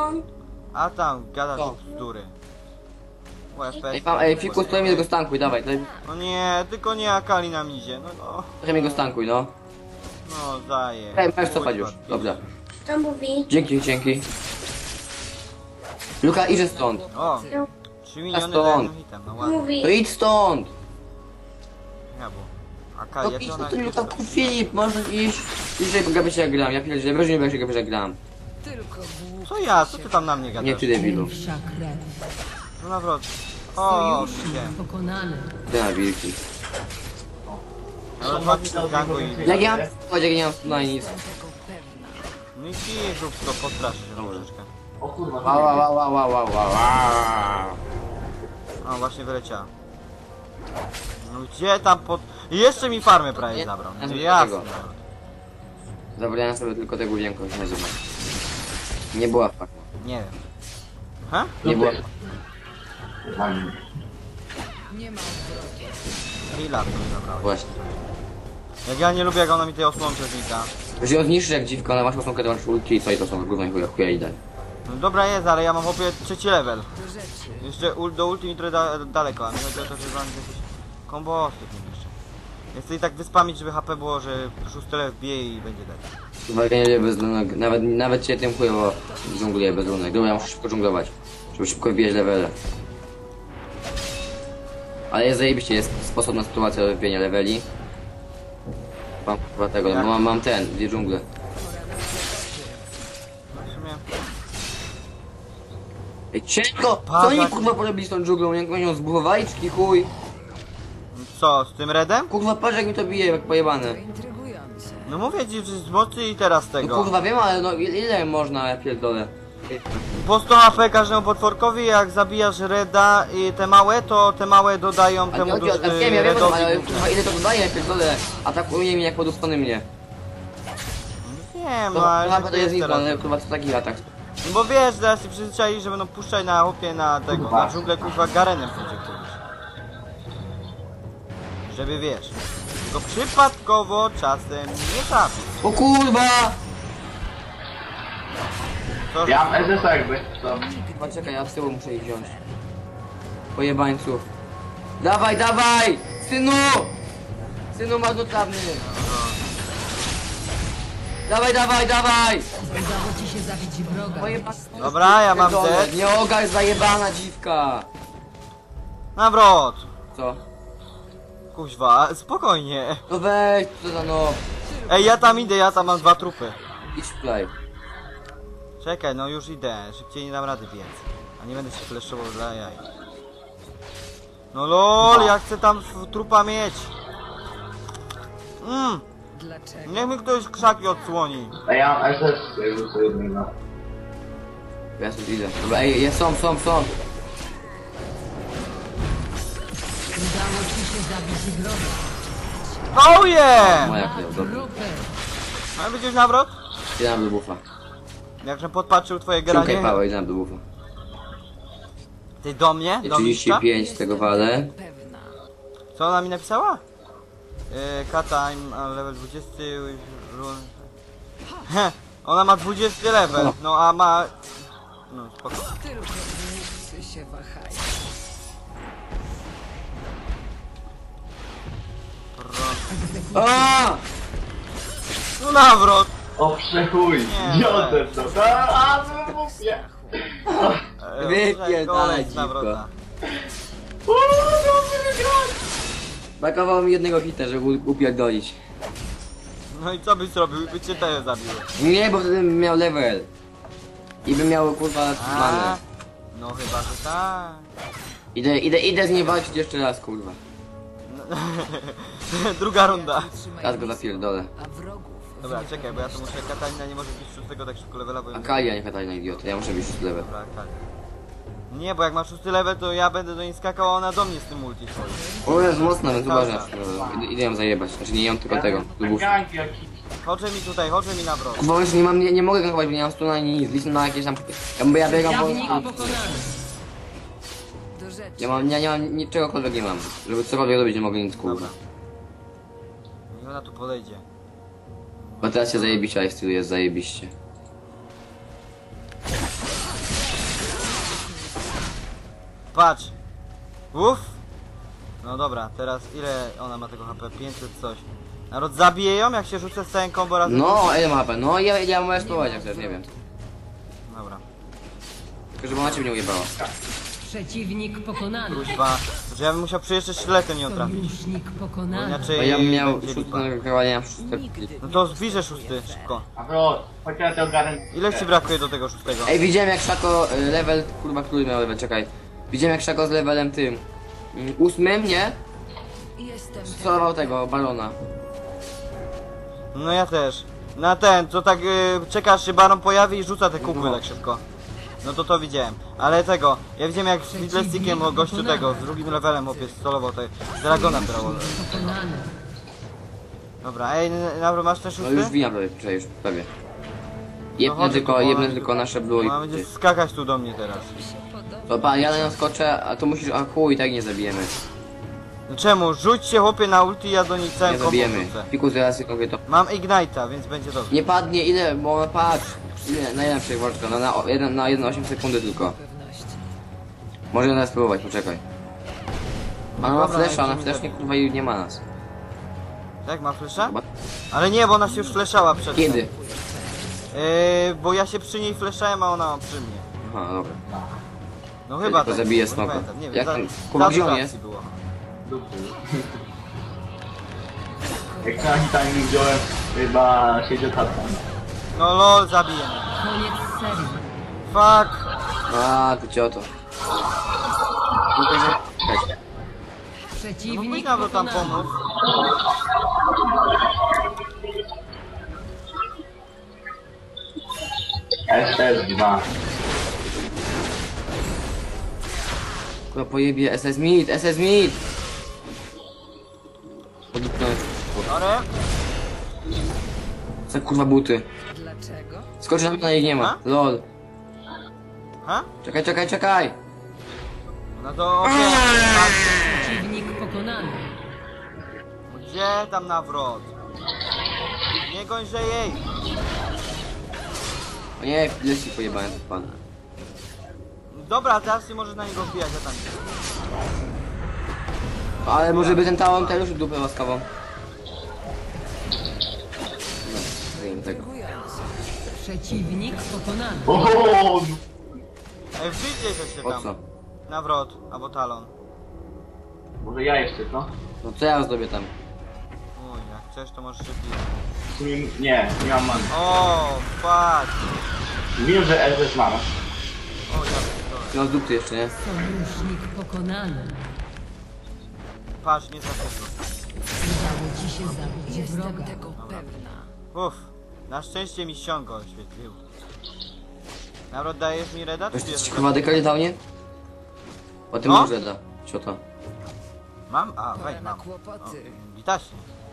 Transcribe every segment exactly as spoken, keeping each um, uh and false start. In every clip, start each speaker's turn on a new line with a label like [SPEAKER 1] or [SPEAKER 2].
[SPEAKER 1] on?
[SPEAKER 2] A tam, gadasz
[SPEAKER 3] Co?
[SPEAKER 2] bzdury. U F P S.
[SPEAKER 3] Ej, mam, ej, Fikus, trochę mi go stankuj, dawaj, trochę,
[SPEAKER 2] No nie, tylko nie Akali nam idzie, no no.
[SPEAKER 3] trochę mi go stankuj, no.
[SPEAKER 2] No daję.
[SPEAKER 3] Ej, możesz cofać już, dobrze.
[SPEAKER 1] Co mówi?
[SPEAKER 3] Dzięki, dzięki. Luka, idzie stąd.
[SPEAKER 2] O,
[SPEAKER 1] No,
[SPEAKER 2] trzy miliony
[SPEAKER 3] stąd.
[SPEAKER 2] za jednym hitem, no
[SPEAKER 1] co
[SPEAKER 2] ładnie.
[SPEAKER 1] mówi?
[SPEAKER 3] To idź stąd.
[SPEAKER 2] Ja bo.
[SPEAKER 3] No
[SPEAKER 2] Akali, jak
[SPEAKER 3] idź, no
[SPEAKER 2] ona
[SPEAKER 3] to
[SPEAKER 2] jest
[SPEAKER 3] Luka, Filip, możesz iść. Idzie gapić jak gram, ja pierdzielę, weź nie gapić jak gram.
[SPEAKER 4] Tylko głupie
[SPEAKER 2] Co ja? Co ty tam na mnie
[SPEAKER 3] Nie
[SPEAKER 2] gadasz?
[SPEAKER 3] ty debilu.
[SPEAKER 4] pierwsza krew.
[SPEAKER 2] No nawrot. O,
[SPEAKER 4] Sojusznik
[SPEAKER 2] widziałem.
[SPEAKER 4] pokonany.
[SPEAKER 3] Ty na wilki.
[SPEAKER 2] Ale chodzi z gangu i...
[SPEAKER 3] Jak ja mam chodź, jak nie mam na nic.
[SPEAKER 2] No i kij, rób to, postraszy się troszeczkę.
[SPEAKER 3] Wow, wow, wow, wow, wow, wow, wow.
[SPEAKER 2] O, właśnie wyleciała. No gdzie tam pod... Jeszcze mi farmę prawie
[SPEAKER 3] Nie,
[SPEAKER 2] zabrał.
[SPEAKER 3] ja sobie
[SPEAKER 2] Jasne.
[SPEAKER 3] tego. Zabrałem sobie tylko tego wienko, nie nazywa. Nie była faka.
[SPEAKER 2] Nie wiem. Ha?
[SPEAKER 3] Nie była.
[SPEAKER 4] Nie ma odwrotu.
[SPEAKER 2] Chwila, to mi zabrało.
[SPEAKER 3] Właśnie.
[SPEAKER 2] Jak ja nie lubię, jak ona mi tej osłonce znika.
[SPEAKER 3] Że ją zniszczysz jak dziwka, ale masz osłonkę, to masz ulti i co i to są gówno i chuja, chuja i daj.
[SPEAKER 2] No dobra jest, ale ja mam chłopie trzeci level.
[SPEAKER 4] Do rzeczy.
[SPEAKER 2] Jeszcze ul do ulti mi trochę da daleko, a mi chodzi o to, że wam jakieś kombo jeszcze. Ja chcę i tak wyspamić, żeby H P było, że szósty level wbije i będzie dać.
[SPEAKER 3] Uwaga, nie lubię bez lunek, nawet, nawet cię tym chujowo dżungluję bez lunek. Dobra, ja muszę szybko dżunglować, żeby szybko wbijać levele. Ale jest zajebiście, jest sposób na sytuację do wbijania leveli. Mam chyba tego, bo mam, mam ten, dwie dżungle.
[SPEAKER 2] W sumie...
[SPEAKER 3] Ej, ciężko! Co oni kurwa porobili z tą dżunglą? Jak oni ją zbudowali, czy chuj?
[SPEAKER 2] Co, z tym redem?
[SPEAKER 3] Kurwa, patrz jak mi to bije, jak pojebane.
[SPEAKER 4] Intrygujące.
[SPEAKER 2] No mówię ci, że z mocy i teraz
[SPEAKER 3] No
[SPEAKER 2] tego.
[SPEAKER 3] kurwa wiem, ale no ile ile można, ja pierdolę.
[SPEAKER 2] Po sto H P każdemu potworkowi, jak zabijasz reda i te małe, to te małe dodają
[SPEAKER 3] A nie
[SPEAKER 2] temu
[SPEAKER 3] chodzi o
[SPEAKER 2] duży
[SPEAKER 3] tak, wiem, ja wiem,
[SPEAKER 2] redowi.
[SPEAKER 3] ale kurwa ile to dodaje, ja pierdolę. Atakuje mnie jak poduspany mnie.
[SPEAKER 2] Nie
[SPEAKER 3] To
[SPEAKER 2] ma, ale
[SPEAKER 3] chyba to jest
[SPEAKER 2] teraz.
[SPEAKER 3] info, ale kurwa to taki atak.
[SPEAKER 2] No bo wiesz, zaraz się przyzwyczai, że będą puszczać na hopie na tego, na dżunglę kurwa garenem będzie któryś. Żeby wiesz. Tylko przypadkowo czasem nie trafi.
[SPEAKER 3] O kurwa!
[SPEAKER 2] To,
[SPEAKER 5] Ja mam S S jakby, to...
[SPEAKER 3] Chyba czekaj, ja z tyłu muszę ich wziąć. Pojebańców. Dawaj, dawaj! Synu! Synu marnotrawny! Dawaj, dawaj, dawaj!
[SPEAKER 4] Udało ci się zabić wroga.
[SPEAKER 3] Pojeba...
[SPEAKER 2] Dobra, ja mam
[SPEAKER 3] Pierdolę,
[SPEAKER 2] Z.
[SPEAKER 3] Nie ogar zajebana dziwka!
[SPEAKER 2] Nawrot!
[SPEAKER 3] Co?
[SPEAKER 2] Kuźwa, spokojnie.
[SPEAKER 3] No weź, co za no.
[SPEAKER 2] Ej, ja tam idę, ja tam mam dwa trupy.
[SPEAKER 3] Idź play.
[SPEAKER 2] Czekaj, no już idę, szybciej nie dam rady biec. A nie będę się fleszował dla jaj. No lol, ja chcę tam w- trupa mieć. Mmm,
[SPEAKER 4] Dlaczego?
[SPEAKER 2] niech mi ktoś krzaki odsłoni.
[SPEAKER 5] A ja mam S S jakby co jednego.
[SPEAKER 3] Ja sobie idę. Dobra, ej, jest, są, są, są.
[SPEAKER 4] Udało ci się zabić wroga.
[SPEAKER 2] Oh yeah!
[SPEAKER 3] Moja krew, dobra.
[SPEAKER 4] Grupy.
[SPEAKER 2] A będziesz nawrot?
[SPEAKER 3] Idę do bufa.
[SPEAKER 2] Jakże podpatrzył twoje
[SPEAKER 3] Ciąkaj
[SPEAKER 2] granie.
[SPEAKER 3] pałę, idę do bufa.
[SPEAKER 2] Ty do mnie? Do mistrza?
[SPEAKER 3] trzydzieści pięć z tego walę.
[SPEAKER 4] Pewna.
[SPEAKER 2] Co ona mi napisała? Yy, Kata, I'm on level dwudziesty with rune. Heh, ona ma dwudziesty level, no a ma... No spoko.
[SPEAKER 4] Tylko głupcy się wahają.
[SPEAKER 3] A!
[SPEAKER 2] No nawrot!
[SPEAKER 5] O przechuj!
[SPEAKER 2] Nie.
[SPEAKER 5] Idiotę to! A, a, no mówię!
[SPEAKER 2] E,
[SPEAKER 3] Wypierdalaj,
[SPEAKER 2] kolej z
[SPEAKER 3] dziwko.
[SPEAKER 2] nawrota.
[SPEAKER 5] Uuu, dobrze wygrać!
[SPEAKER 3] Brakowało mi jednego hita, żeby u- upierdolić.
[SPEAKER 2] No i co byś zrobił? By cię też zabiły.
[SPEAKER 3] Nie, bo wtedy bym miał level. I bym miał kurwa
[SPEAKER 2] A,
[SPEAKER 3] manę.
[SPEAKER 2] no chyba, że tak.
[SPEAKER 3] Idę, idę, idę z nim walczyć jeszcze raz, kurwa.
[SPEAKER 2] Druga runda.
[SPEAKER 3] Raz go zapierdolę.
[SPEAKER 4] A wrogów.
[SPEAKER 2] Dobra, czekaj, bo ja to muszę... Katalina nie może być szóstego tak szybko levela, bo...
[SPEAKER 3] A Kali, a nie Katarina idiota, ja muszę być szósty level.
[SPEAKER 2] Dobra, tak. Nie, bo jak ma szósty level, to ja będę do niej skakał, a ona do mnie z tym multi swoim.
[SPEAKER 3] O, jest mocna, więc uważaj. Idę, idę ją zajebać, znaczy nie ją, tylko tego. Lubusa.
[SPEAKER 5] Gank jakiś.
[SPEAKER 2] Chodź mi tutaj, chodź mi na wrot.
[SPEAKER 3] Kurwa, już nie mam, nie, nie mogę gankować, bo nie mam stuna ani nic. Liczę na jakieś tam... Ja, bo ja biegam
[SPEAKER 4] Jawnik
[SPEAKER 3] po...
[SPEAKER 4] pokonany. Do rzeczy.
[SPEAKER 3] Ja mam, ja nie mam niczegokolwiek nie mam. Żeby cokolwiek robić, nie mogę nic, kurwa.
[SPEAKER 2] Dobra. I ona tu podejdzie.
[SPEAKER 3] Bo teraz się zajebiście, a jest, jest zajebiście.
[SPEAKER 2] patrz. Uff. No dobra, teraz ile ona ma tego H P? pięćset coś. Naród, zabije ją jak się rzucę z całym combo razem?
[SPEAKER 3] No, ile ma H P? No, ja, ja możesz spróbować jak chcesz, nie wiem.
[SPEAKER 2] Dobra.
[SPEAKER 3] Tylko żeby ona cię nie ujebała.
[SPEAKER 4] Przeciwnik pokonany.
[SPEAKER 2] Kuźwa. Że ja bym musiał przyjeżdżać sztyletem ją trafić.
[SPEAKER 4] Sojusznik
[SPEAKER 2] Bo
[SPEAKER 4] pokonany.
[SPEAKER 2] inaczej
[SPEAKER 3] A ja bym miał
[SPEAKER 2] będzie
[SPEAKER 3] szóstkę
[SPEAKER 2] lipa.
[SPEAKER 3] na wykrywanie na szóstkę.
[SPEAKER 2] No to zbliżę szósty, szybko.
[SPEAKER 5] Nawrot, chodź na tego garen.
[SPEAKER 2] Ile ci brakuje do tego szóstego?
[SPEAKER 3] Ej, widziałem jak Szako y, level, kurwa, który miał level, czekaj. Widziałem jak Szako z levelem tym. mm, Ósmym, nie? Solował tego, balona.
[SPEAKER 2] No ja też. Na ten, to tak y, czekasz się baron pojawi i rzuca te kupy
[SPEAKER 3] No.
[SPEAKER 2] tak szybko. No to to widziałem. Ale tego, ja widziałem jak z Fiddlestickiem o gościu tego, z drugim levelem opies solował te Dragona brało.
[SPEAKER 4] Pokonany.
[SPEAKER 2] Dobra, ej, Nawro, masz ten
[SPEAKER 3] No
[SPEAKER 2] szósty?
[SPEAKER 3] już wijam prawie, czekaj, już prawie. Jebnę
[SPEAKER 2] chodź
[SPEAKER 3] tylko,
[SPEAKER 2] tu,
[SPEAKER 3] jebnę
[SPEAKER 2] chodź.
[SPEAKER 3] tylko nasze blue
[SPEAKER 2] Ona
[SPEAKER 3] i...
[SPEAKER 2] będzie skakać tu do mnie teraz.
[SPEAKER 3] Dobra, ja na nią skoczę, a to musisz, a chuj, tak nie zabijemy.
[SPEAKER 2] No czemu? Rzuć się chłopie na ulti, ja do niej całym
[SPEAKER 3] Nie
[SPEAKER 2] combo
[SPEAKER 3] zabijemy.
[SPEAKER 2] rzucę.
[SPEAKER 3] Piku, zaraz jak mówię to.
[SPEAKER 2] Mam Ignite'a, więc będzie dobrze.
[SPEAKER 3] Nie padnie, ile, bo patrz. Ile, na ile przejwoczka, no na, o- jeden, na jeden osiem sekundy tylko. Może nas spróbować, poczekaj. Ona ma
[SPEAKER 2] Dobra,
[SPEAKER 3] flesza,
[SPEAKER 2] jak
[SPEAKER 3] ona
[SPEAKER 2] mi
[SPEAKER 3] flesznie
[SPEAKER 2] zabiję.
[SPEAKER 3] kurwa i nie ma nas.
[SPEAKER 2] Tak, ma flesza?
[SPEAKER 3] Chyba-
[SPEAKER 2] Ale nie, bo ona się już fleszała przed tym.
[SPEAKER 3] Kiedy?
[SPEAKER 2] Yy, bo ja się przy niej fleszałem, a ona przy mnie.
[SPEAKER 3] Aha, dobra.
[SPEAKER 2] No
[SPEAKER 3] Ja
[SPEAKER 2] chyba
[SPEAKER 3] tylko
[SPEAKER 2] tak,
[SPEAKER 3] zabiję
[SPEAKER 2] bo nie
[SPEAKER 3] smoka.
[SPEAKER 2] pamiętam, Nie wiem,
[SPEAKER 3] Jak
[SPEAKER 2] za,
[SPEAKER 3] tam-
[SPEAKER 2] za
[SPEAKER 3] Kuba, gdzie
[SPEAKER 2] dużo
[SPEAKER 3] on
[SPEAKER 2] akcji
[SPEAKER 3] jest?
[SPEAKER 2] było.
[SPEAKER 5] Dupy. Jak na hitami wziąłem, chyba siedział tata.
[SPEAKER 2] No lol, zabiję mnie.
[SPEAKER 4] Koniec serii.
[SPEAKER 2] Fuck.
[SPEAKER 3] A, ty cioto. No to, że... Czekaj.
[SPEAKER 2] No
[SPEAKER 4] Przeciwnik
[SPEAKER 2] powinna go tam
[SPEAKER 4] pokonany.
[SPEAKER 2] pomóc.
[SPEAKER 5] S S dwa.
[SPEAKER 3] Kurwa pojebie, S S Mid, S S Mid! Podupnąłem.
[SPEAKER 2] Sorry.
[SPEAKER 3] Co kurwa buty?
[SPEAKER 4] Dlaczego?
[SPEAKER 3] Skoczy na mnie, na nich nie ma.
[SPEAKER 2] Ha?
[SPEAKER 3] Lol.
[SPEAKER 2] Ha?
[SPEAKER 3] Czekaj, czekaj, czekaj!
[SPEAKER 2] No to okej.
[SPEAKER 4] Przeciwnik pokonany.
[SPEAKER 2] Gdzie tam nawrot? Nie gońże jej.
[SPEAKER 3] O nie, leci pojebałem ten pan.
[SPEAKER 2] Dobra, teraz nie możesz na niego wbijać, ja tam nie.
[SPEAKER 3] Ale może by ten talon też już dupę łaskawą. No, zajmę tego.
[SPEAKER 4] Przeciwnik pokonany.
[SPEAKER 5] Ooo!
[SPEAKER 2] Ej, wbijcie się
[SPEAKER 3] Po
[SPEAKER 2] tam.
[SPEAKER 3] co?
[SPEAKER 2] Nawrot, albo talon.
[SPEAKER 5] Może ja jeszcze, co?
[SPEAKER 3] No co ja zrobię tam?
[SPEAKER 2] Uj, jak chcesz to możesz się wbić.
[SPEAKER 5] W sumie nie, nie mam man.
[SPEAKER 2] O, fuck.
[SPEAKER 5] Wiem, że S S mam.
[SPEAKER 2] O, ja pierdolę.
[SPEAKER 3] No z dupy jeszcze, nie?
[SPEAKER 4] Sojusznik pokonany.
[SPEAKER 2] Patrz, nie za szybko.
[SPEAKER 4] Udało ci się zabić wroga.
[SPEAKER 2] Uff, na szczęście mi ściągo oświetlił. Nawrot, dajesz mi reda, czy
[SPEAKER 3] Ktoś ci
[SPEAKER 2] bierzesz?
[SPEAKER 3] chyba dekali dał, nie? O tym
[SPEAKER 2] No?
[SPEAKER 3] może da. Ciota.
[SPEAKER 2] Mam? A, weź, mam. O, witaśnie.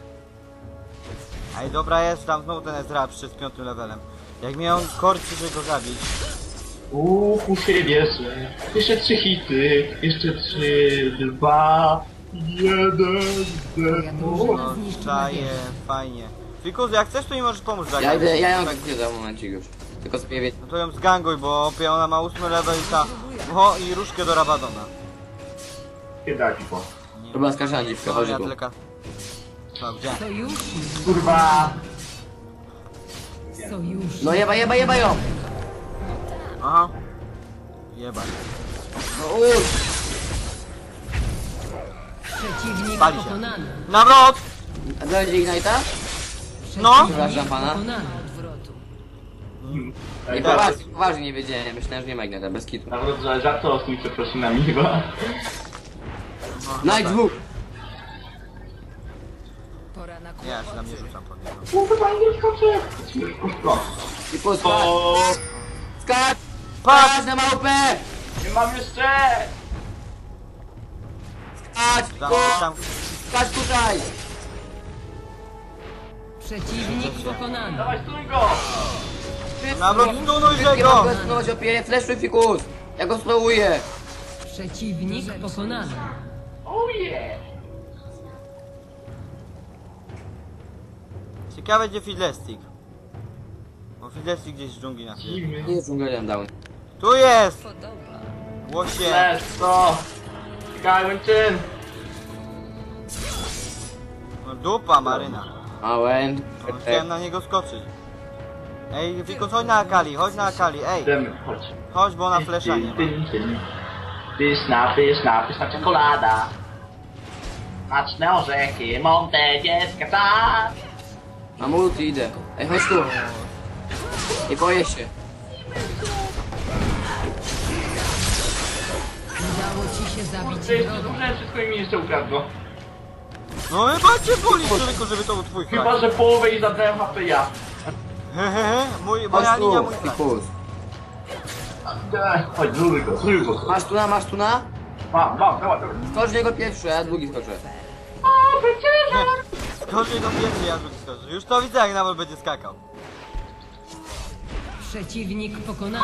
[SPEAKER 2] Ej, dobra jest, tam znowu ten Ezra przyszedł z piątym levelem. Jak mnie on korci, żeby go zabić.
[SPEAKER 5] Uuu, ku siebie, że jeszcze trzy hity, jeszcze trzy, dwa, jeden, zero.
[SPEAKER 2] No, czaje, fajnie. Fikus, jak chcesz, to mi możesz pomóc zagrać.
[SPEAKER 3] Ja idę, ja ją
[SPEAKER 2] Tak,
[SPEAKER 3] tak za momencik już. Tylko sobie wie...
[SPEAKER 2] no to ją zganguj, bo opie ona ma ósmy level i ta... O, i różkę do Rabadona.
[SPEAKER 5] Kiedy dać po?
[SPEAKER 2] Nie.
[SPEAKER 3] Dobra, skarżę na dziwkę, chodź
[SPEAKER 2] ja
[SPEAKER 3] tu.
[SPEAKER 2] tylko... Co, gdzie?
[SPEAKER 4] Sojusznik.
[SPEAKER 5] Kurwa!
[SPEAKER 4] Sojusznik.
[SPEAKER 3] No jeba, jeba, jeba ją!
[SPEAKER 2] Aha. Jebaj.
[SPEAKER 3] No uż!
[SPEAKER 4] Przeciwnik
[SPEAKER 2] Pali się.
[SPEAKER 4] pokonany.
[SPEAKER 2] Nawrot!
[SPEAKER 3] A dojdzie Ignite'a?
[SPEAKER 2] No!
[SPEAKER 3] Przepraszam pana.
[SPEAKER 4] Pokonany.
[SPEAKER 3] Nie, poważnie, poważnie nie wiedziałem, myślałem, że nie ma Ignite'a, bez kitu.
[SPEAKER 5] Nawet, że żartował z tymi przeprosinami chyba.
[SPEAKER 2] No,
[SPEAKER 3] Night dwóch!
[SPEAKER 2] Ja się tam nie rzucam pod niego.
[SPEAKER 5] Kurwa, nie skoczę!
[SPEAKER 3] I po skacz!
[SPEAKER 5] O,
[SPEAKER 3] Skacz!
[SPEAKER 2] Patrz!
[SPEAKER 3] Skacz na małpę!
[SPEAKER 5] nie mam jeszcze!
[SPEAKER 3] Skacz!
[SPEAKER 2] Tam,
[SPEAKER 3] tu!
[SPEAKER 2] tam...
[SPEAKER 3] Skacz tutaj!
[SPEAKER 4] Przeciwnik pokonany.
[SPEAKER 5] Dawaj, stój go!
[SPEAKER 2] Nawrot, stunuj
[SPEAKER 3] Nie
[SPEAKER 2] go!
[SPEAKER 3] mogę spróbować opie, fleszuj fikus! Ja go spróbuję!
[SPEAKER 4] Przeciwnik pokonany.
[SPEAKER 5] Oh yeah!
[SPEAKER 2] Ciekawe gdzie Fiddlestick. Bo Fiddlestick gdzieś w dżungli na chwilę.
[SPEAKER 5] Dziwny.
[SPEAKER 3] Nie jest dżunglem down.
[SPEAKER 2] Tu jest! Łosie.
[SPEAKER 5] Let's go! Czekaj, Łęczyn!
[SPEAKER 2] No dupa Maryna.
[SPEAKER 3] Małem.
[SPEAKER 2] No, chciałem na niego skoczyć. Ej, Fikus, chodź na Akali, chodź na Akali, ej.
[SPEAKER 5] Idziemy, chodź.
[SPEAKER 2] Chodź, bo ona flesza nie ma.
[SPEAKER 5] Pyszna, pyszna, pyszna czekolada. Smaczne orzechy, Monte, dziecka, tak!
[SPEAKER 3] Mam ulti, idę. Ej, chodź tu. Nie boję się.
[SPEAKER 4] Udało ci się zabić
[SPEAKER 5] Kurczę, jeszcze
[SPEAKER 4] wroga.
[SPEAKER 5] zużyłem wszystko i mi jeszcze ukradło.
[SPEAKER 2] No chyba cię boli, człowieku, żeby to był twój
[SPEAKER 5] Chyba,
[SPEAKER 2] kraj.
[SPEAKER 5] że połowę i zabrałem H P ja.
[SPEAKER 2] Hehehe, mój, moja
[SPEAKER 3] Chodź
[SPEAKER 2] linia,
[SPEAKER 3] tu,
[SPEAKER 2] mój kraj.
[SPEAKER 3] Fikus.
[SPEAKER 5] Ej, Chodź, zluj go, zluj go.
[SPEAKER 3] Masz tuna, masz tuna?
[SPEAKER 5] Mam, mam, dawaj, dawaj.
[SPEAKER 3] Skocz w niego pierwszy, a ja drugi skoczę.
[SPEAKER 2] Skoczy do pierwszy, ja drugi skoczę. Już to widzę, jak nawet będzie skakał.
[SPEAKER 4] Przeciwnik pokonany.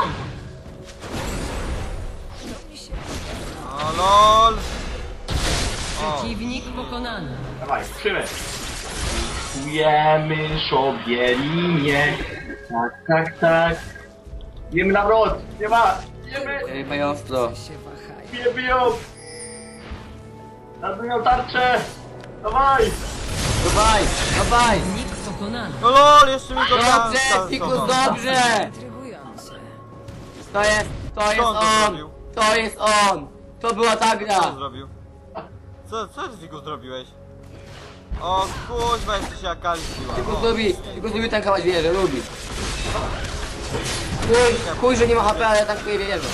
[SPEAKER 2] O lol. O,
[SPEAKER 4] Przeciwnik pokonany.
[SPEAKER 5] Dawaj, krzywy. Kujemy sobie linię. Tak, tak, tak. Jemy na wrot, nie ma. Jemy,
[SPEAKER 3] Ej, mają ostro.
[SPEAKER 5] bije, biją. Nadują tarczę. Dawaj.
[SPEAKER 3] Dawaj, dawaj.
[SPEAKER 4] Przeciwnik pokonany.
[SPEAKER 2] no lol, jeszcze mi to
[SPEAKER 3] Dobrze, Fikus, dobrze. To jest, to jest
[SPEAKER 2] Co on to
[SPEAKER 3] on.
[SPEAKER 2] zrobił?
[SPEAKER 3] To jest on. To była ta
[SPEAKER 2] Co on
[SPEAKER 3] gra.
[SPEAKER 2] zrobił? Co, co ty, Fikus, zrobiłeś? O kuźwa, jeszcze się Akali zbiła.
[SPEAKER 3] Fikus
[SPEAKER 2] O.
[SPEAKER 3] lubi, Fikus lubi tankować wieżę, lubi. Chuj, chuj, że nie ma H P, ale ja tankuję wieżę.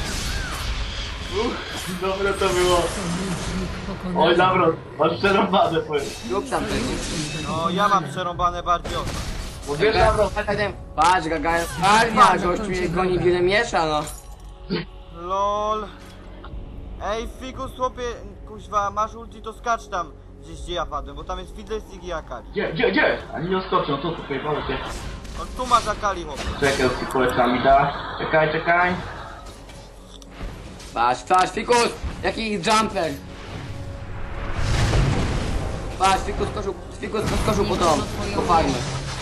[SPEAKER 5] Uff, dobre to było.
[SPEAKER 4] Przeciwnik
[SPEAKER 5] Oj,
[SPEAKER 4] pokonany.
[SPEAKER 5] dobra, masz przerąbane, powiem.
[SPEAKER 3] Lub tam też.
[SPEAKER 2] No ja mam przerąbane bardziej ostro.
[SPEAKER 5] Bo wiesz, dobra,
[SPEAKER 3] Patrz, gagają. Armia, gościu mnie goni wiele miesza, no.
[SPEAKER 2] Lol. Ej, Fikus, chłopie, kuźwa, masz ulti, to skacz tam gdzieś, gdzie ja padłem, bo tam jest Fiddlestick i Akali.
[SPEAKER 5] gdzie, gdzie, gdzie? Ani nie skoczą, co tu pojebało się?
[SPEAKER 2] O, tu masz Akali, chłopie.
[SPEAKER 5] Czekaj, z polecami da. Czekaj, czekaj.
[SPEAKER 3] Patrz, patrz, Fikus! Jaki jumper! Patrz, Fikus skoczył, Fikus skoczył po dom, po farmę.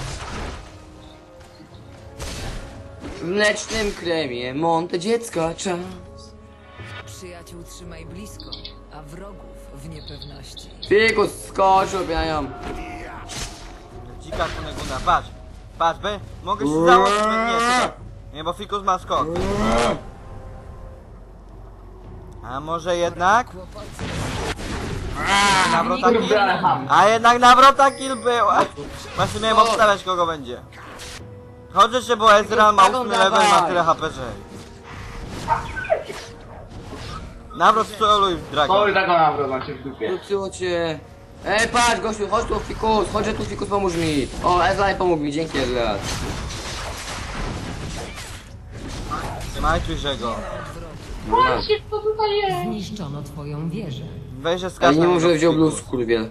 [SPEAKER 3] W mlecznym kremie, Monte dziecka, czas.
[SPEAKER 1] Przyjaciół trzymaj blisko, a wrogów w niepewności.
[SPEAKER 3] Fikus skoczył, biają.
[SPEAKER 2] Dzika kuneguna, patrz. Patrz, be, mogę się założyć, be, nie, czekaj. Nie, bo Fikus ma skok. A może jednak? Nawrota kill?
[SPEAKER 5] Kurde, ale ham.
[SPEAKER 2] A jednak nawrota kill była. Właśnie miałem obstawiać, kogo będzie. Chodź jeszcze, bo Ezreal ma ósmy level, ma tyle H P, że... Nawrot soluj w Dragon.
[SPEAKER 5] Sorry, taką nawrot, mam się w dupie.
[SPEAKER 3] Luciło cię. Ej, patrz, gościu, chodź tu, Fikus, chodź że tu, Fikus, pomóż mi. O, Ezreal pomógł mi, dzięki Ezreal.
[SPEAKER 2] Trzymajcie go.
[SPEAKER 4] Zniszczono twoją wieżę.
[SPEAKER 2] Weź, że
[SPEAKER 3] Ale
[SPEAKER 2] skacz
[SPEAKER 3] nie
[SPEAKER 2] na
[SPEAKER 3] mów, że
[SPEAKER 2] niego,
[SPEAKER 3] wziął
[SPEAKER 2] Fikus.
[SPEAKER 3] blue, skurwiel.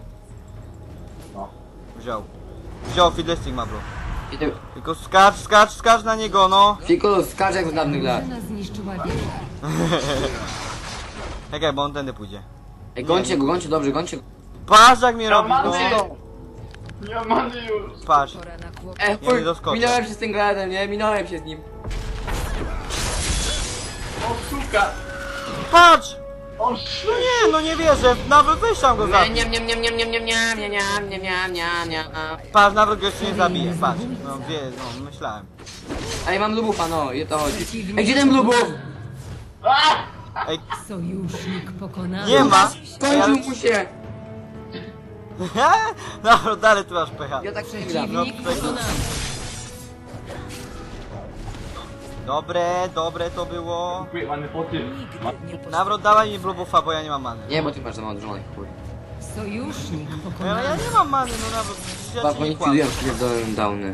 [SPEAKER 2] Wziął. Wziął, Fiddlestick ma blue.
[SPEAKER 3] I ty-
[SPEAKER 2] Tylko skacz, skacz, skacz na niego, no.
[SPEAKER 3] Fikus, skacz jak z dawnych lat.
[SPEAKER 4] Drużyna zniszczyła wieżę.
[SPEAKER 2] Czekaj, bo on tędy pójdzie.
[SPEAKER 3] Ej, gońcie go, gońcie, dobrze, gońcie go.
[SPEAKER 2] Patrz jak mnie robi, no.
[SPEAKER 5] Many! Nie mamy już.
[SPEAKER 2] Patrz.
[SPEAKER 1] Pora na kłopot.
[SPEAKER 3] Ej,
[SPEAKER 2] Ja nie
[SPEAKER 3] chuj,
[SPEAKER 2] doskoczę.
[SPEAKER 3] minąłem się z tym gradem, nie? Minąłem się z nim.
[SPEAKER 5] O, suka.
[SPEAKER 2] Patrz!
[SPEAKER 5] O,
[SPEAKER 2] No
[SPEAKER 5] sz...
[SPEAKER 2] nie, no nie wierzę. Nawrót, weź tam go
[SPEAKER 3] Nie,
[SPEAKER 2] zabij.
[SPEAKER 3] nie, nie, nie, nie, nie, nie, nie, nie, nie, nie, nie, nie, nie.
[SPEAKER 2] Patrz, nawrót go jeszcze nie zabije, patrz. No wie, no myślałem.
[SPEAKER 3] Ej, mam lubufa, no, i o to chodzi.
[SPEAKER 4] Przeciwnik
[SPEAKER 3] Ej, gdzie ten lubuf?
[SPEAKER 4] pokonany.
[SPEAKER 2] Ej,
[SPEAKER 4] Sojusznik pokonany.
[SPEAKER 2] nie ma.
[SPEAKER 3] Skończył mu się.
[SPEAKER 2] Nawrót, dalej ty masz pecha.
[SPEAKER 3] Ja tak przegram.
[SPEAKER 2] No,
[SPEAKER 4] Przeciwnik pokonany.
[SPEAKER 2] Dobre, dobre to było.
[SPEAKER 5] Mamy po tym. Ma...
[SPEAKER 1] Nigdy nie poś...
[SPEAKER 2] Nawrót, dawaj mi blue buffa, bo ja nie mam many.
[SPEAKER 3] Nie, bo ty masz za mało dużo chuj.
[SPEAKER 4] Sojusznik
[SPEAKER 2] No, ale
[SPEAKER 4] pokonany.
[SPEAKER 2] ja nie mam many, no nawrót, przecież ja
[SPEAKER 3] Chyba
[SPEAKER 2] ci
[SPEAKER 3] oni
[SPEAKER 2] nie kłamę.
[SPEAKER 3] fidują pierdolone downy.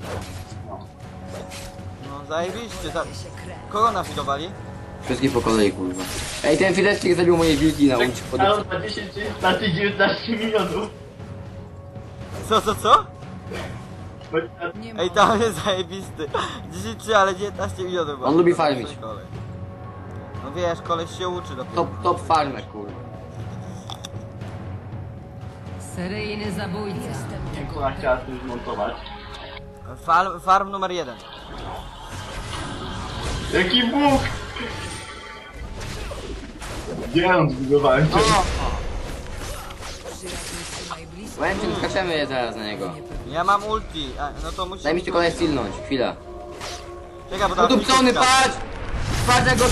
[SPEAKER 2] No zajebiście, za... Kogo nafidowali?
[SPEAKER 3] Wszystkich po kolei, kurwa. Ej, ten Fiddlestick zabił moje wilki na ulicy pod...
[SPEAKER 5] Ale ma dziesięć, znaczy dziewiętnaście milionów.
[SPEAKER 2] Co, co, co?
[SPEAKER 5] Bo-
[SPEAKER 1] Nie ma
[SPEAKER 2] Ej, tam jest zajebisty. dziesięć trzy, ale dziewiętnaście milionów.
[SPEAKER 3] On lubi farmić.
[SPEAKER 2] No wiesz, koleś się uczy dopiero.
[SPEAKER 3] Top, top farmer, kurwa.
[SPEAKER 4] Seryjny zabójca.
[SPEAKER 5] Jak ona chciała coś zmontować.
[SPEAKER 2] Farm, farm numer jeden.
[SPEAKER 5] Jaki Bóg! Gdzie on zbudowałem cię?
[SPEAKER 3] O!
[SPEAKER 1] Przyjaciół trzymaj blisko.
[SPEAKER 3] Łęczyn, skaczemy je zaraz na niego.
[SPEAKER 2] Ja mam ulti, a, no to musisz...
[SPEAKER 3] Daj mi tylko stilnąć, chwila.
[SPEAKER 2] Czekaj, bo tam...
[SPEAKER 3] Udupcony, patrz! Patrz jak go...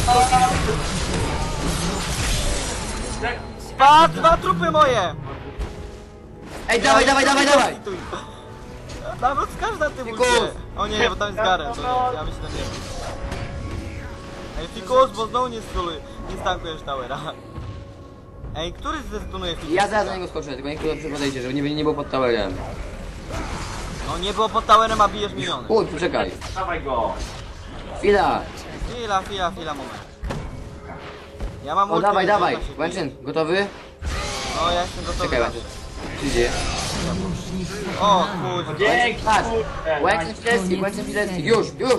[SPEAKER 2] Patrz, dwa trupy moje!
[SPEAKER 3] Ej, dawaj, dawaj, dawaj, dawaj!
[SPEAKER 2] Nawet skaż na tym
[SPEAKER 3] Fikus!
[SPEAKER 2] ulcie. O nie, bo tam jest Garen, to nie, ja myślę, nie. Ej, Fikus, bo znowu nie stuluj, nie stankujesz towera. Ej, który zdestunuje Fikus?
[SPEAKER 3] Ja zaraz na niego skoczę, tylko niech tu podejdzie, żeby nie, nie było pod towerem.
[SPEAKER 2] No nie było pod towerem, a bijesz miniony.
[SPEAKER 3] Uj, poczekaj.
[SPEAKER 5] Dawaj go.
[SPEAKER 3] Chwila.
[SPEAKER 2] Chwila, chwila, chwila, moment. Ja mam
[SPEAKER 3] O,
[SPEAKER 2] ulti,
[SPEAKER 3] dawaj,
[SPEAKER 2] więc
[SPEAKER 3] dawaj.
[SPEAKER 2] ja się biję.
[SPEAKER 3] Łęczyn, gotowy?
[SPEAKER 2] No, ja jestem gotowy.
[SPEAKER 3] Czekaj,
[SPEAKER 2] zawsze.
[SPEAKER 3] Łęczyn. Przyjdzie.
[SPEAKER 4] Sojusznik
[SPEAKER 2] O,
[SPEAKER 4] pokonany.
[SPEAKER 2] kurwa.
[SPEAKER 5] Dzięki,
[SPEAKER 3] Patrz.
[SPEAKER 5] kurde.
[SPEAKER 3] Łęczyn Filecki, Łęczyn Filecki. Już, już.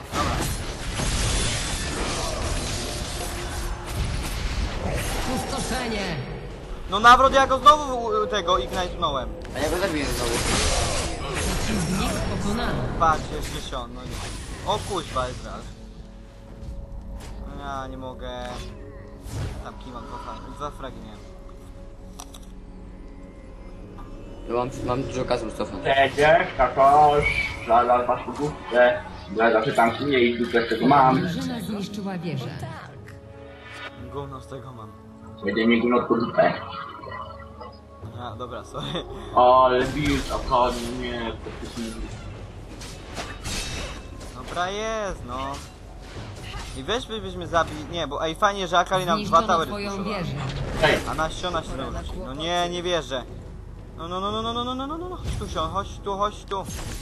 [SPEAKER 4] Pustoszenie.
[SPEAKER 2] No nawrot, ja go znowu u- tego ignite'nąłem.
[SPEAKER 3] A ja go zabiję znowu.
[SPEAKER 4] Przeciwnik pokonany.
[SPEAKER 2] Patrz, jeszcze się on, no nie. O kuźwa, Ezreal. No ja nie mogę. Tam kimam dwa fragi, dwa fragi miałem.
[SPEAKER 3] Ja mam, mam dużo kasy już cofnąć.
[SPEAKER 5] Przecież, takoż, zaraz was pogubkę. Ja zawsze tam się nie i tutaj z tego mam.
[SPEAKER 4] Drużyna zniszczyła wieżę.
[SPEAKER 2] Gówno z tego mam.
[SPEAKER 5] Będzie mi górno pogubkę.
[SPEAKER 2] A, dobra, sorry.
[SPEAKER 5] Ale build, a nie, to jest
[SPEAKER 2] Dobra jest, no. I weź by- byśmy zabili, nie, bo ej fajnie, że Akali nam dwa
[SPEAKER 4] Zniszczono
[SPEAKER 2] towery
[SPEAKER 4] twoją
[SPEAKER 2] spuszczowała.
[SPEAKER 4] wieżę.
[SPEAKER 5] Ej,
[SPEAKER 2] A nasiona się nauczy. No nie, nie wierzę. No, no, no, no, no, no, no, no, no, no, chodź tu się, chodź tu, chodź tu.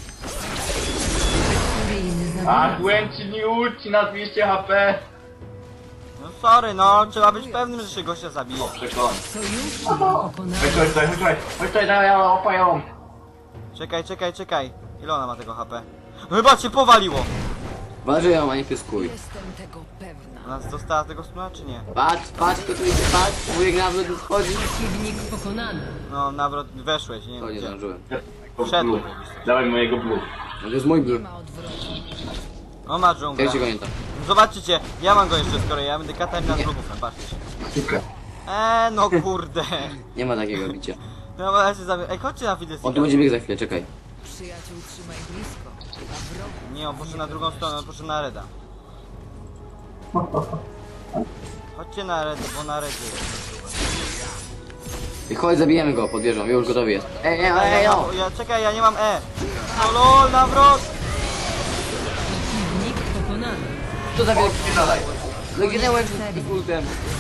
[SPEAKER 4] Seryjny
[SPEAKER 5] a
[SPEAKER 4] zabójca.
[SPEAKER 5] Gwenci nie ulci na dwieście H P.
[SPEAKER 2] No sorry, no, trzeba być pewnym, że się gościa zabije.
[SPEAKER 5] Przekonam.
[SPEAKER 4] Sojusznik
[SPEAKER 5] Chodź
[SPEAKER 4] pokonany.
[SPEAKER 5] tutaj, chodź tutaj, chodź tutaj, chodź tutaj, dawaj, ja opają.
[SPEAKER 2] Czekaj, czekaj, czekaj. Ile ona ma tego H P? No chyba cię powaliło.
[SPEAKER 3] Waży ją, a nie pyskuj.
[SPEAKER 1] Jestem tego pewna.
[SPEAKER 2] Ona dostała tego stuna, czy nie?
[SPEAKER 3] Patrz, patrz, kto tu idzie, patrz. Wujek nawet tu wchodzi.
[SPEAKER 4] Przeciwnik pokonany.
[SPEAKER 2] No, nawrot, weszłeś, nie
[SPEAKER 3] To
[SPEAKER 2] wiem
[SPEAKER 3] nie
[SPEAKER 2] gdzie.
[SPEAKER 3] zdążyłem.
[SPEAKER 2] Wszedł.
[SPEAKER 5] Blue. Dawaj mojego blue.
[SPEAKER 3] No to jest mój blue.
[SPEAKER 1] Nie ma odwrotu.
[SPEAKER 2] No ma dżunglę.
[SPEAKER 3] Ja się go nie tam.
[SPEAKER 2] Zobaczycie, ja mam go jeszcze skoro ja będę Katarina z grubówem, patrzcie.
[SPEAKER 5] Super.
[SPEAKER 2] Eee, no kurde.
[SPEAKER 3] Nie ma takiego bicia.
[SPEAKER 2] No bo ja się zabiję. Ej, chodźcie na Fiddlesticka.
[SPEAKER 3] On tu będzie biegł za chwilę, czekaj.
[SPEAKER 1] Przyjaciół trzymaj blisko. A wrogów
[SPEAKER 2] Nie, on poszedł na drugą stronę, on poszedł na Reda. Chodźcie na Red, bo na Redzie jest.
[SPEAKER 3] I chodź, zabijemy go pod wieżą, już gotowy jest. Ej, ej,
[SPEAKER 2] Ja,
[SPEAKER 3] ej, ej,
[SPEAKER 2] ja,
[SPEAKER 3] no.
[SPEAKER 2] mam, ja, czekaj, ja nie mam E. No lol, nawrot!
[SPEAKER 4] Przeciwnik pokonany.
[SPEAKER 3] To za wielki.
[SPEAKER 5] Dalej.
[SPEAKER 3] Legionę Łęczyn z ultem.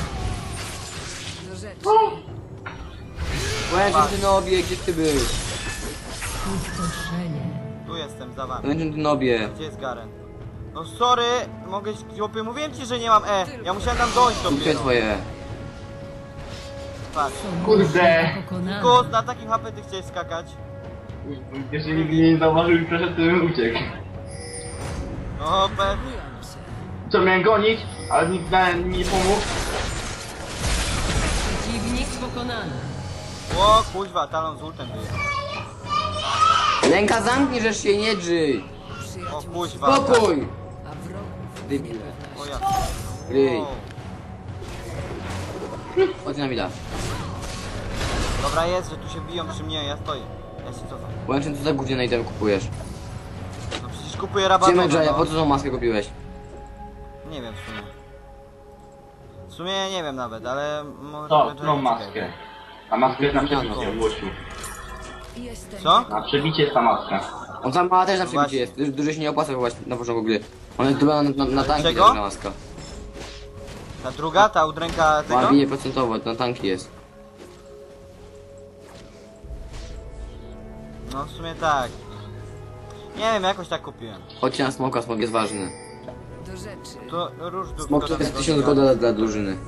[SPEAKER 1] do rzeczy.
[SPEAKER 3] Łęczyn, ty nobie, gdzie ty był?
[SPEAKER 4] Pustoszenie.
[SPEAKER 2] Tu jestem, za wami.
[SPEAKER 3] Łęczyn, ty nobie.
[SPEAKER 2] Gdzie jest Garen? No sorry, mogę... Chłopie, mówiłem ci, że nie mam E. Ja musiałem tam dojść
[SPEAKER 3] Ultuję
[SPEAKER 2] dopiero.
[SPEAKER 3] twoje.
[SPEAKER 2] Patrz.
[SPEAKER 5] Kurde.
[SPEAKER 4] Pokonany.
[SPEAKER 2] Kus, na takim H P ty chciałeś skakać.
[SPEAKER 5] Jeżeli mnie nie zauważył i przeszedł, to bym uciekł.
[SPEAKER 2] No pewnie.
[SPEAKER 1] Byłam się.
[SPEAKER 5] Co, miałem gonić, ale nikt na- mi nie pomógł.
[SPEAKER 4] Przeciwnik pokonany.
[SPEAKER 2] O kuźwa, talon z ultem wyjechał.
[SPEAKER 3] Ręka zamknij, żeż się nie drzyj.
[SPEAKER 2] O
[SPEAKER 1] Przyjaciół
[SPEAKER 2] kuźwa.
[SPEAKER 3] Spokój.
[SPEAKER 1] a wrogów
[SPEAKER 3] Debil.
[SPEAKER 2] O ja.
[SPEAKER 3] Gryj.
[SPEAKER 2] O.
[SPEAKER 3] Chodź na mida.
[SPEAKER 2] Dobra jest, że tu się biją przy mnie, ja stoję. Ja się cofam.
[SPEAKER 3] Łęczyn, co za gówniane item kupujesz?
[SPEAKER 2] No przecież kupuję
[SPEAKER 3] Gdzie
[SPEAKER 2] rabatową,
[SPEAKER 3] Medjaya, po
[SPEAKER 2] no.
[SPEAKER 3] co tą maskę kupiłeś?
[SPEAKER 2] Nie wiem w sumie. W sumie nie wiem nawet, ale może...
[SPEAKER 5] To,
[SPEAKER 2] będzie-
[SPEAKER 5] którą maskę? Ta maska jest na przebicie, Łosiu.
[SPEAKER 1] Jestem
[SPEAKER 2] Co?
[SPEAKER 5] Na przebicie jest ta maska.
[SPEAKER 3] On tam ma też na
[SPEAKER 2] Właśnie.
[SPEAKER 3] przebicie jest. Duży, duży się nie opłaca chyba na początku gry. Ona jest chyba na, na, na tanki
[SPEAKER 2] Czego?
[SPEAKER 3] ta maska.
[SPEAKER 2] Ta druga, ta udręka tego?
[SPEAKER 3] Ma bije procentowo, na tanki jest.
[SPEAKER 2] No w sumie tak. Nie wiem, jakoś tak kupiłem.
[SPEAKER 3] Chodźcie na smoka, smok jest ważny.
[SPEAKER 1] do rzeczy.
[SPEAKER 2] To róż du-
[SPEAKER 3] Smok to
[SPEAKER 2] szkoda
[SPEAKER 3] jest
[SPEAKER 2] tego
[SPEAKER 3] tysiąc
[SPEAKER 2] zgadza.
[SPEAKER 3] golda dla drużyny.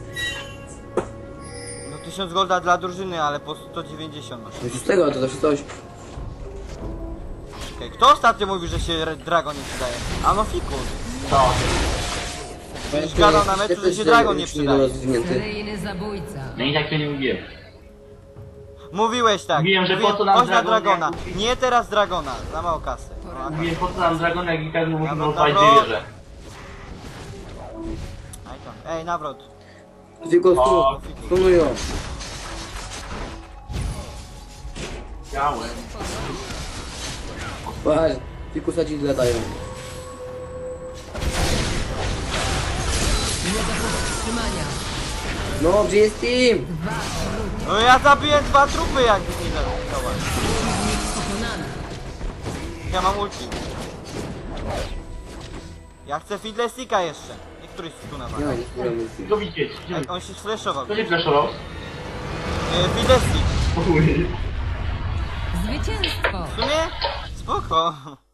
[SPEAKER 2] No tysiąc golda dla drużyny, ale po sto dziewięćdziesiąt masz.
[SPEAKER 3] No z tego to zawsze coś.
[SPEAKER 2] Okej, kto ostatnio mówił, że się Re- Dragon nie przydaje? A no fikus.
[SPEAKER 5] To.
[SPEAKER 2] Przecież gadał na meczu, że się Dragon nie przydaje.
[SPEAKER 3] rozwinięty.
[SPEAKER 4] Seryjny zabójca.
[SPEAKER 5] No i tak to nie mówiłem.
[SPEAKER 2] Mówiłeś tak.
[SPEAKER 5] Mówiłem, że po co nam
[SPEAKER 2] chodź na
[SPEAKER 5] Dragon,
[SPEAKER 2] Dragona.
[SPEAKER 5] jak-
[SPEAKER 2] Nie teraz Dragona, za mało kasy. No, a-
[SPEAKER 5] Mówiłem, po co nam Dragon, jak i tak musimy
[SPEAKER 2] Dobra,
[SPEAKER 5] odpalić
[SPEAKER 2] dobra.
[SPEAKER 5] dwie wieże.
[SPEAKER 2] aj tam. Ej, nawrot.
[SPEAKER 3] Tylko
[SPEAKER 5] O.
[SPEAKER 3] stu, stunują.
[SPEAKER 5] Miałem.
[SPEAKER 3] Patrz, tylko sadzi latają.
[SPEAKER 4] Nie do powstrzymania.
[SPEAKER 3] No, gdzie jest team?
[SPEAKER 2] No ja zabiję dwa trupy jak nie zaatakować.
[SPEAKER 4] Pokonany.
[SPEAKER 2] Ja mam ulti. Ja chcę Fiddlesticka jeszcze. Nie któryś stuna ma.
[SPEAKER 3] Nie, nie spróbuję.
[SPEAKER 5] Co widzieć?
[SPEAKER 2] Ej, on się sflashował.
[SPEAKER 5] Kto się flashował?
[SPEAKER 2] E, Fiddlestick.
[SPEAKER 5] Uj.
[SPEAKER 4] Zwycięstwo.
[SPEAKER 2] W sumie? Spoko.